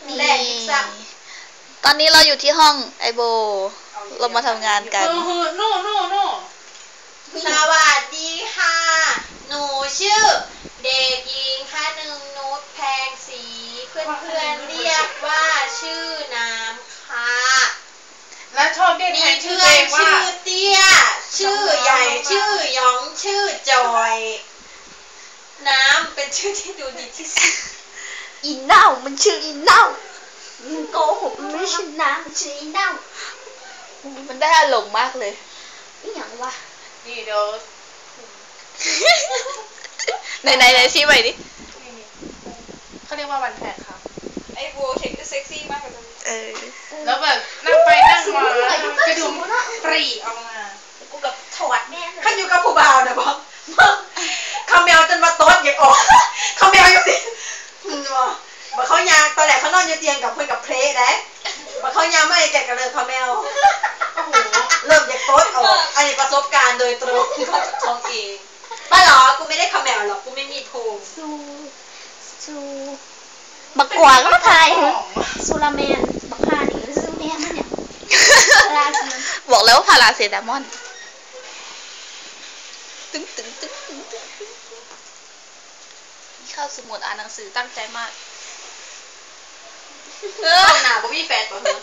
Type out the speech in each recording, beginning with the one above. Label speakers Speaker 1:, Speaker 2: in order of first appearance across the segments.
Speaker 1: แหล่สัก
Speaker 2: ตอนนี้เราอยู่ที่ห้องไอโบเรามาทำงานกัน
Speaker 1: โน่สวัสดีค่ะหนูชื่อเด็กหญิงท่านึงนุชแพงศรีเพื่อนเรียกว่าชื่อน้ำค่ะ
Speaker 3: และชอบเรียกแทนชื่อเองว่า
Speaker 1: ชื่อเตี้ยชื่อใหญ่ชื่อยองชื่อจอยน้ำเป็นชื่อที่ดูดีที่สุด
Speaker 2: อีเน่ามันชื่ออีเน่ามันโกหกมันไม่ชื่อน้ำมันชื่ออีเน่ามันได้อารมณ์มากเลยนี่อย่างวะ
Speaker 3: นี่เดี๋ยว
Speaker 2: ไหนชี้ไปดิ
Speaker 3: เขาเรียกว่าวันแพกครับ
Speaker 1: ไอ้โบเซ็กซี่มากเลย
Speaker 3: แล้วแบบนั่งไปนั่งมากระดุมปรีออกมา
Speaker 1: กูกับถอดแม่ขันอยู่กับผู้บ่าวนะบอกคาเมลจนมาโต๊ดอย่างออกคาเมลอยู่สิบอกเขายางตอนแรกเขานอนอยู่เตียงกับเพื่อนกับเพลย์นะบอกเขายางไม่แกะกระเลยคาเมลเริ่มจากโต๊ดออกอันนี้ประสบการณ์โดยตรงของท้องเองป้าหรอกูไม่ได้คาเมลหรอกกูไม่มีภูมิ
Speaker 2: ซูบักกวางก็ทายซูลาแมนบักฮานี่ซูแมนมันเนี่ยบอกแล้วว่าพาราเซตามอนตึ้งนี่เข้าสมุดอ่านหนังสือตั้งใจมาก
Speaker 1: หนาบ่มีแฟนป่ะเฮ้ย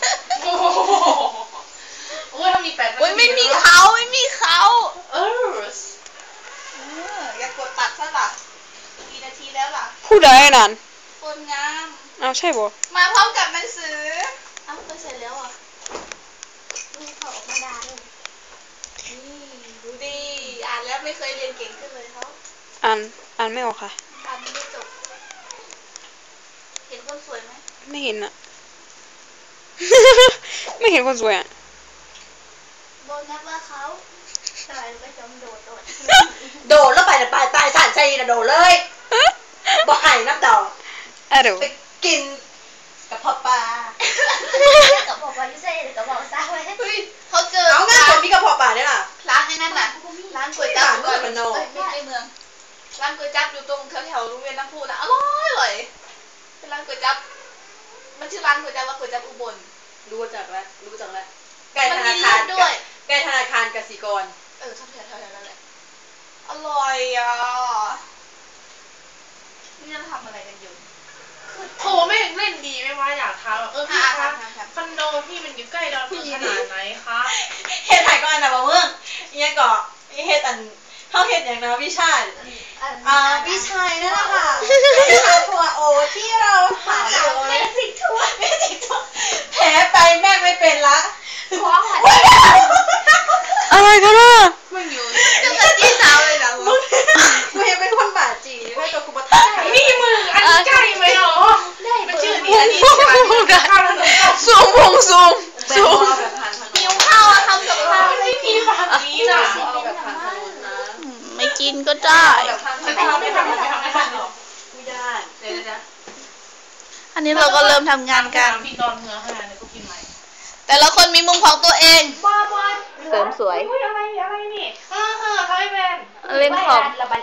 Speaker 3: โอ้ยถ้ามีแฟน
Speaker 2: ไม่มีเขา
Speaker 1: อย่ากดตัดซะล่ะกี่นาทีแล้วล่ะ
Speaker 2: ผู้ใดนั่น
Speaker 1: คนงาม
Speaker 2: อ้าวใช่บ่
Speaker 1: มาพร้อมกับหนังสือ
Speaker 2: อ้าวเสร็จแล้วอ่ะ
Speaker 1: นี่เขาออกมาด่าเลยนี่ดูดิอ่านแล้วไม่เคยเรียนเก่งขึ้นเลยเขา
Speaker 2: อ่านไม่ออกค่ะ
Speaker 1: อ่านไม่จบเห็นคนสวยไหม
Speaker 2: ไม่เห็นอ่ะ ไม่เห็นคนสวยอ่ะ
Speaker 1: โดนนักว่าเขาตายแล้วก็จำโดดแล้วไปตายสารใจนะโดดเลยบอกไอ้น้ำดอกไปกินกับพ่อปลา
Speaker 2: กับพ่อปลาอยู่ใส่กับพ่อซาไว้
Speaker 1: เฮ้ยเขาเจอเอางานผมมีกับพ่อปลาเนี่ยล่ะร้านไอ้นั่นน่ะร้านก๋วยจั๊บก่อนไม่เมืองร้านก๋วยจั๊บอยู่ตรงแถวโรงเรียนน้ำพุนะอร่อยเป็นร้านก๋วยจั๊บมันชื่อร้านก๋วยจั๊บว่าก๋วยจั๊บอุบลรู้จักแล้วใกล้ธนาคารด้วยใกล้ธนาคารกสิกรชอบแถวนั้นแหละอร่อยอ่ะนี่จะทำอะไรกันอยู่
Speaker 3: โถแม่งเล่นดีไหมวะอยากถามพี่คะคอนโดพี่มันอยู่ใกล้ดอนเมืองขนาดไหนคะ
Speaker 1: เฮ็ดถ่ายก็อันนะบ่เมืองเนี่ยก็เฮ็ดเขาเฮ็ดอย่างนะวิชาวิชัยนั่นแหละค่ะวิชาทัวโอที่เราถามเลยเมจิกทัวแผลไปแม่ไม่เป็นละ
Speaker 2: อะไรกันอ่ะ
Speaker 3: มึงอยู่
Speaker 1: ตั้งแต่จีสาวเลยนะมึงยังเป็นคนบาดจีไม่ตัวกูมาตาย
Speaker 3: นี่มึงอันนี้ใกล้ไหมหรอมันชื่อนี้อันนี้ใช่ไหม
Speaker 2: ซูม
Speaker 1: หิวข้าวทำกับข้าว
Speaker 3: ไม่มีแบบนี้นะ
Speaker 2: ไม่กินก็ได้
Speaker 3: ไม่ทำหรอก
Speaker 1: ไม่ได้เดี๋ยว
Speaker 2: อันนี้เราก็เริ่มทำงานกัน
Speaker 3: พี่ดอนเมืองขนาดนี้ก็กินไหม
Speaker 2: แต่ละคนมีมุมของตัวเองเสริมสวย
Speaker 3: อะไรนี่เขาไม่เป็น
Speaker 2: เล่นคอม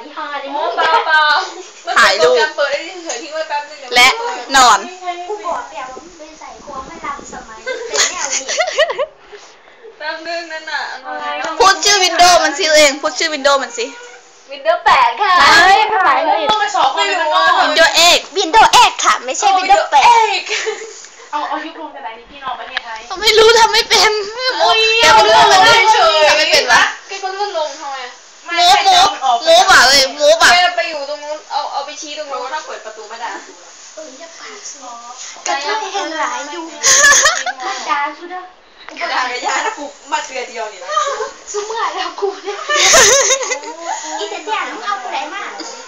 Speaker 1: ถ่ายรูปเปิดได้เฉยๆทิ้งไว้แป๊บนึง
Speaker 2: และนอน
Speaker 1: กูบอกแต่ว่าไม่ใส่ควงไม่ทำสมัยเป็นแนวนี้แป๊บนึงนั่นน่ะ
Speaker 2: พูดชื่อวินโดว์มันสิเองพูดชื่อวินโดว์มันสิ
Speaker 1: วินโดว์8ค่ะ
Speaker 2: เฮ้ยภาษาอังกฤษ
Speaker 3: วินโดว์
Speaker 2: เอ็กค่ะไม่ใช่วินโดว์8
Speaker 3: เอายุครวมกันไหนนี่พี่น้องประเทศไทย
Speaker 2: ไม่รู้ทำไม่เป็น
Speaker 1: แกเป็นเรื่องอะไรเฉยไม่เป็นวะแกก็เลื่อนลงทำไม
Speaker 2: โม้บ่ะเลยโม้บ่ะ
Speaker 1: ไปอยู่ตรงนู้นเอาไปชี้ตรงนู้นถ้าเปิดประตูไม่ได้จะปากซอกระเทยเห็นหลายอยู่ด่าสุดอ่ะด่ากระยาถ้ากูมาเตือนเดียวนี่นะสมัยแล้วกูเนี่ยอีแต่เนี่ยน้องเอากูไหนมา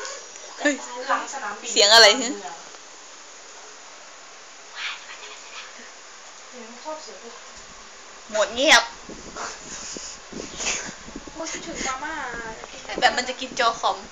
Speaker 2: เสียงอะไรฮึหมดเงียบ
Speaker 1: ถึงมาม่า
Speaker 2: แบบมันจะกินจอคอม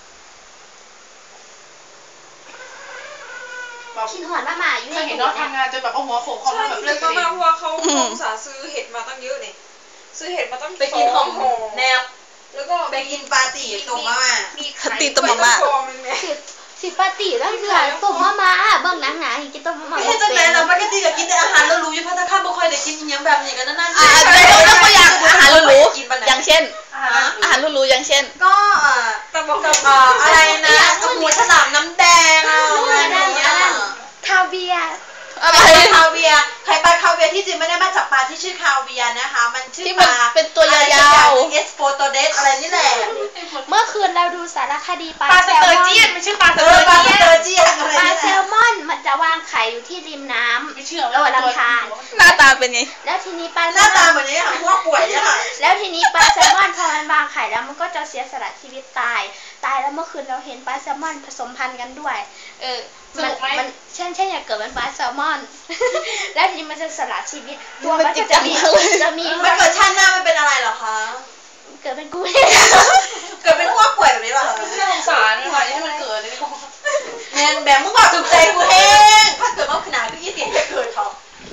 Speaker 1: กินหอนมาม่าอยู่
Speaker 3: ในเห็นน้องทำงานจนแบบเอาหัวโขกคอมแบบเลือดกระเด็น
Speaker 1: เพราะว่าเขาอุตส่าห์ซื้อเห็ดมาตั้งเยอะเนี่ยซื้อเห็ดมาตั้งไปกินหอมแนบแล้วก็ไปกินปาตีตุ่มมาม่า
Speaker 2: ตีตุ่มมาม่า
Speaker 1: สิ
Speaker 2: สิปาติแล้วเสือต้มมาเบิ่งหนังหนาให้กินต้มมา
Speaker 4: ไม่ใช่จังไหนเราปกติก็กินแต่อาหารแล้วรู้อยู่พัฒนาการไม่ค่อยได้กินยังแบบนี้กันนั่นๆ
Speaker 2: แล้วก็อย่างอาหารหรูๆอย่างเช่นอาหารหรูๆอย่างเช่น
Speaker 4: ก็อะไรนะหมูฉลามน้ำแดงอะไรอย่างเงี้ย
Speaker 2: คาเวีย
Speaker 4: อะไรคาเวียไข่ปลาคาเวียที่จริงไม่ได้มาจากปลาที่ชื่อคาเวียนะคะมันชื่อปลา
Speaker 2: เป็นตัวยาว
Speaker 4: ๆเอสโฟโตเดสอะไรนี่แหละ
Speaker 2: เมื่อคืนเราดูสารคดีปลาแซลมอน
Speaker 3: ไม่ใช่ปลาเตอร์เจียน
Speaker 2: ปลาแซลมอนมันจะวางไข่อยู่ที่ริมน้ำ
Speaker 3: ไม่เชื่อ
Speaker 2: ระหว่างลำธาร
Speaker 1: หน้าตาเป็นไง
Speaker 2: แล้วทีนี้ปลา
Speaker 4: หน้าตาเหมือนนี้ค่ะพวกป่วยเนี่ยค่ะ
Speaker 2: แล้วทีนี้ปลาแซลมอนพอมันวางไข่แล้วมันก็จะเสียสละชีวิตตายแล้วเมื่อคืนเราเห็นปลาแซลมอนผสมพันธุ์กันด้วยมันเช่นอยากเกิดเป็นปลาแซลมอนแล้วทีนี้มันจะสละชีวิตตัวมันจะมี
Speaker 4: ไม่เกิดชาติหน้ามันเป็นอะไรหรอคะ
Speaker 2: เกิดเป็นกู
Speaker 4: เกิดเป็นพวกป่วยแบบนี้หรอคะ
Speaker 3: น่าสงสารค่ะให้มันเกิดเลยก็
Speaker 4: แมนแบบมึงบอกถูกใจกูเองถ้าเกิดว่าขนาดพี่เสียงจะเกิดเขา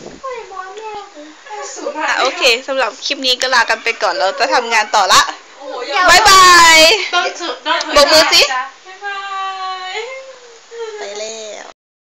Speaker 1: โอเคสำหรับคลิปนี้ก็ลากันไปก่อนเราจะทำงานต่อละ
Speaker 4: โอ้โห
Speaker 1: บ๊ายบาย
Speaker 3: ต้อง
Speaker 1: บอกมือสิ